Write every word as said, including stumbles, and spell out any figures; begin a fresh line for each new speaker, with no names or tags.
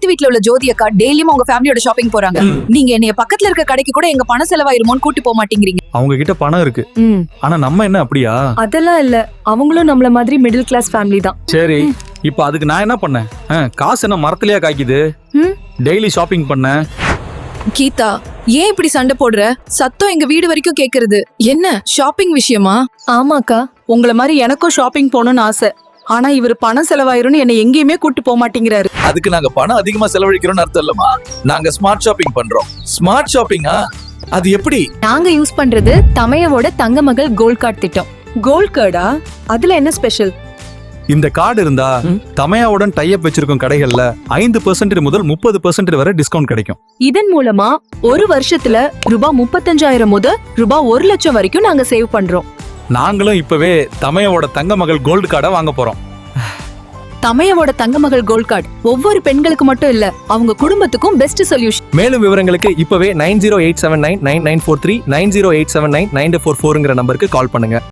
வீட்ல உள்ள ஜோதி அக்கா டெய்லியும் உங்க ஃபேமிலியோட ஷாப்பிங் போறாங்க. நீங்க என்னைய பக்கத்துல இருக்க கடைக்கு கூட எங்க பணம் செலவாயிருமோன்னு கூட்டி போக மாட்டேங்கிறீங்க.
அவங்க கிட்ட பணம் இருக்கு, ஆனா நம்ம என்ன அப்படியா?
அதெல்லாம் இல்ல, அவங்களும் நம்மள மாதிரி மிடில் கிளாஸ் ஃபேமிலி தான்.
சரி, இப்ப அதுக்கு நான் என்ன பண்ணேன்? காசு என்ன மரத்திலேயே காய்க்குது? டெய்லி ஷாப்பிங் பண்ண.
கீதா, ஏன் இப்படி சண்டை போடுற? சத்தம் எங்க வீடு வரைக்கும் கேக்குறது. என்ன ஷாப்பிங் விஷயமா?
ஆமாக்கா,
உங்கள மாதிரி எனக்கும் ஷாப்பிங் போகணும்னு ஆசை. ஆனா இவர் பணம் செலவாயிரும்னு என்ன எங்கேயுமே கூட்டு போக மாட்டேங்கிறாரு.
அதுக்கு நாங்க பணம் அதிகமா செலவழிக்கிறோம்னு அர்த்தம் இல்லமா. நாங்க ஸ்மார்ட் ஷாப்பிங் பண்றோம். ஸ்மார்ட் ஷாப்பிங்கா? அது எப்படி?
நாங்க யூஸ் பண்றது தமையோட தங்க மகள் கோல்ட் கார்டு திட்டம்.
கோல்ட் கார்டா? அதுல என்ன ஸ்பெஷல்?
இந்த கார்டு இருந்தா தமையாவுடன் டைப் வச்சிருக்கும் கடைகள்ல ஐந்து பெர்சென்ட் முதல் முப்பது பெர்சென்ட் வரை டிஸ்கவுண்ட் கிடைக்கும்.
இதன் மூலமா ஒரு வருஷத்துல ரூபாய் முப்பத்தஞ்சாயிரம் முதல் ரூபாய் ஒரு லட்சம் வரைக்கும் நாங்க சேவ் பண்றோம்.
நாங்களும் இப்பவே தமையாவோட தங்க மகள் கோல்டு கார்டை வாங்க போறோம்.
தமையாவோட தங்க மகள் கோல்ட் கார்டு ஒவ்வொரு பெண்களுக்கு மட்டும் இல்ல, அவங்க குடும்பத்துக்கும் பெஸ்ட் சொல்யூஷன்.
மேலும் விவரங்களுக்கு இப்பவே nine zero eight seven nine nine nine four three nine zero eight seven nine nine four ஃபோர்ங்கிற நம்பருக்கு கால் பண்ணுங்க.